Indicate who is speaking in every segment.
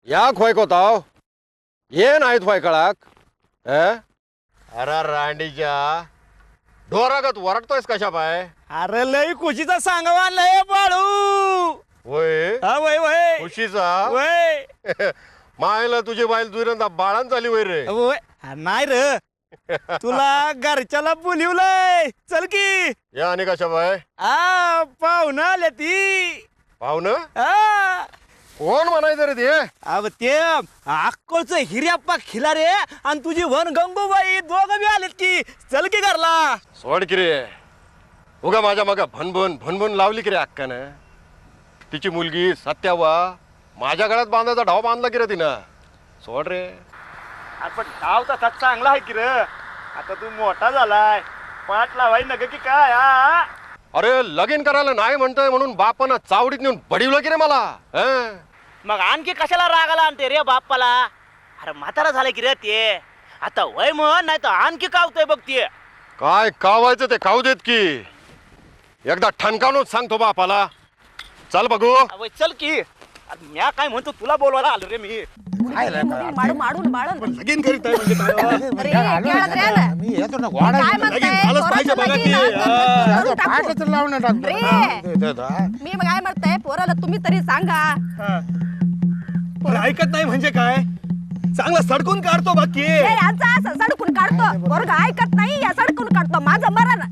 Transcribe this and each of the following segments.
Speaker 1: या खोय कोताव ये नाहीत होय कळाक अरे रांडीच्या ढोरागत वरटतोयस कशा पाय
Speaker 2: अरे लय खुशीचा सांगवा लय बाळू
Speaker 1: होय
Speaker 2: हा वय वय
Speaker 1: खुशीचा
Speaker 2: वय
Speaker 1: मायला तुझी बाईल दुरंदा बाळान झाली वय रे
Speaker 2: वय नाही रे तुला घरच्याला बोलिवलंय चल की
Speaker 1: या आणि कशा पाय
Speaker 2: पाहुणं आल्या ती
Speaker 1: पाहुणं
Speaker 2: आ,
Speaker 1: कोण म्हणायचं रे ते
Speaker 2: अव ते अक्कोळचं हिर्याप्पा खिलारे आणि तुझी वन गंगूबाई दोघं बी आलेत की चल की घरला
Speaker 1: सोड की रे उगा माझ्या मग भनभन भनभन लावली की रे अक्कानं तिची मुलगी सत्यावा माझ्या गळ्यात बांधायचा ढाव बांधला की रे तिनं सोड रे
Speaker 2: आपण डाव तसा चांगला आहे की रे आता तू मोठा झालाय पाठ लावाय नग की काय
Speaker 1: अरे लगीन करायला नाही म्हणतोय म्हणून बापानं चावडीत नेऊन बडिवलं की रे मला हं?
Speaker 3: मग आणखी कशाला रागाला आणते रे बाप्पाला अरे म्हातारा झालं की रे ते आता वय म्हण नाही तर आणखी कावतोय बघ ते
Speaker 1: काय कावायचं ते खाऊ देत की एकदा ठणकावूनच सांगतो बापाला चल बघू
Speaker 3: अवय चल की अरे म्या काय म्हणतो तुला बोलवायला आलो रे मी
Speaker 4: माडून माडून बाळून
Speaker 2: लगीन करीत आहे म्हणजे काय
Speaker 4: अरे खेळत रे ना.
Speaker 5: मी येतो ना घोडा
Speaker 4: काय म्हणताय?
Speaker 2: लगीन झालंच पाहिजे
Speaker 4: पोराचं
Speaker 2: बघा
Speaker 4: लगीन
Speaker 2: की.
Speaker 4: आज करून टाकू.
Speaker 5: पाठच लावून टाकतो
Speaker 4: मी मग काय म्हणताय पोराला तुम्ही तरी सांगा
Speaker 2: अरे ऐकत नाही म्हणजे काय चांगला सडकून काढतो बाकी
Speaker 4: हे यांचा असं सडकून काढतो पोरगा ऐकत नाही या सडकून काढतो माझं मरण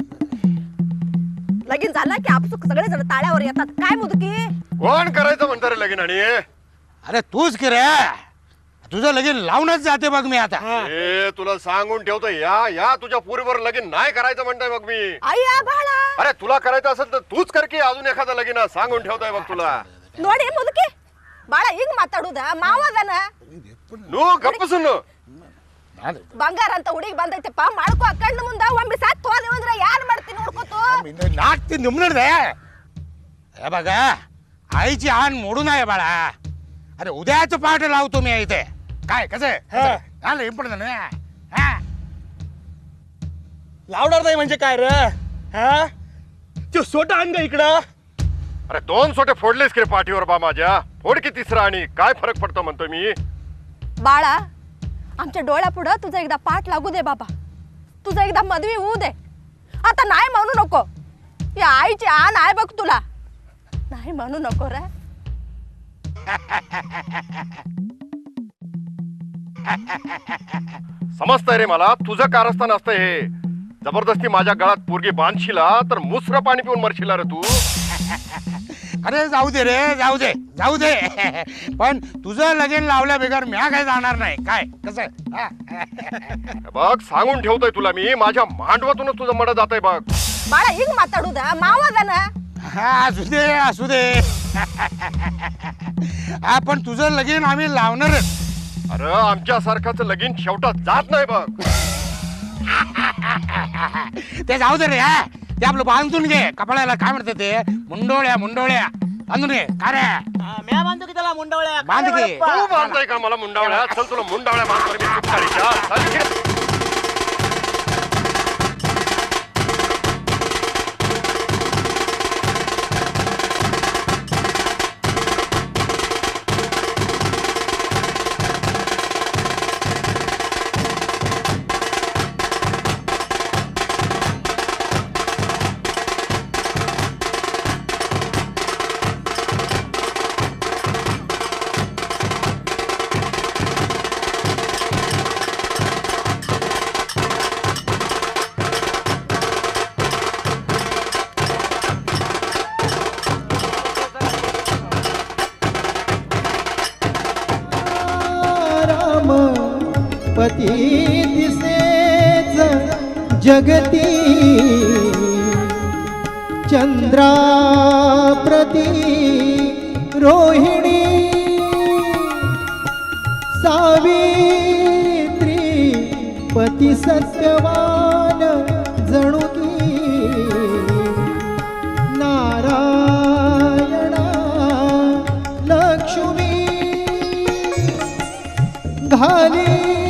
Speaker 4: लगीन झालं की आपसुक सगळे जण ताळ्यावर येतात काय मुदकी
Speaker 1: कोण करायचं म्हणतं रे लगीन आणि
Speaker 5: अरे तूच की रे तुझं लगीन लावूनच जाते बघ मी आता
Speaker 1: ए तुला सांगून ठेवतो या तुझ्या पुरीवर लगीन नाही करायचं म्हणतोय मग मी
Speaker 4: आई बाळा
Speaker 1: अरे तुला करायचं असेल तर तूच कर की अजून एखादा लगीन सांगून ठेवतोय बघ तुला
Speaker 4: ನೋಡಿ ಮುದುಕಿ ಬಾಳ ಹಿಂಗ್ ಮಾತಾಡುದ ಮಾವದನ
Speaker 1: ನೂ ಗಪ್ಪ ಸುನ್ನು
Speaker 4: ಬಂಗಾರ ಅಂತ ಹುಡುಗಿ ಬಂದೈತಪ್ಪ ಮಾಡ್ಕೋ ಕಣ್ಣು ಮುಂದ ಒಮ್ಮೆ ಸತ್ತು ಹೋದೆ ಅಂದ್ರೆ ಯಾರು ಮಾಡ್ತೀನಿ ನೋಡ್ಕೋತು
Speaker 5: नाक निमणे हे बघा आईची आण मोडून आहे बाळा अरे उद्याच पाठ लावतो मी इथे काय कसं आलं इम्पॉर्टंट ना
Speaker 2: लावणार नाही म्हणजे काय रे हा तो सोटा आण ग इकडं
Speaker 1: अरे दोन सोटे फोडलेस की रे पाठीवर बा माझ्या फोड की तिसरा आणि काय फरक पडतो म्हणतो मी
Speaker 4: बाळा आमच्या डोळ्यापुढं तुझा एकदा पाठ लागू दे बाबा तुझा एकदा मदवी होऊ दे आता नाही म्हणू नको या आईची आण आहे बघ तुला नाही म्हणू नको रे
Speaker 1: समजतंय रे मला तुझं कारस्थान असतं हे जबरदस्ती माझ्या गळात पोरगी बांधशीला तर मुसर पाणी पिऊन मरशीला रे तू
Speaker 5: अरे जाऊ दे रे जाऊ दे जाऊ दे पण तुझं लगीन लावल्या बेगर म्या काय जाणार नाही काय कसं
Speaker 1: बघ सांगून ठेवतोय तुला मी माझ्या मांडवातूनच तुझं मड जातंय बघ
Speaker 4: बाळा हिंग माताडूद मावदन
Speaker 5: हा असू दे असू दे हा पण तुझं लगीन आम्ही लावणारच
Speaker 1: अरे आमच्या सारखाचं लगीन शेवटात जात नाही बघ
Speaker 5: ते जाऊ दे रे हा ते आपलं बांधून घे कपाळाला काय म्हणते ते मुंडोळ्या मुंडोळ्या बांधून घे का रे
Speaker 3: म्या बांधतो की त्याला मुंडवळ्या
Speaker 5: बांध की.
Speaker 1: तू बांधताय का मला मुंडावळ्या चल तुला मुंडावळ्या बांधतो मी सुटकारीच्या. चल घे.
Speaker 6: पती दिसेच जगती चंद्राप्रती रोहिणी सावित्री पती सत्यवान जणू की नारायणा लक्ष्मी घाली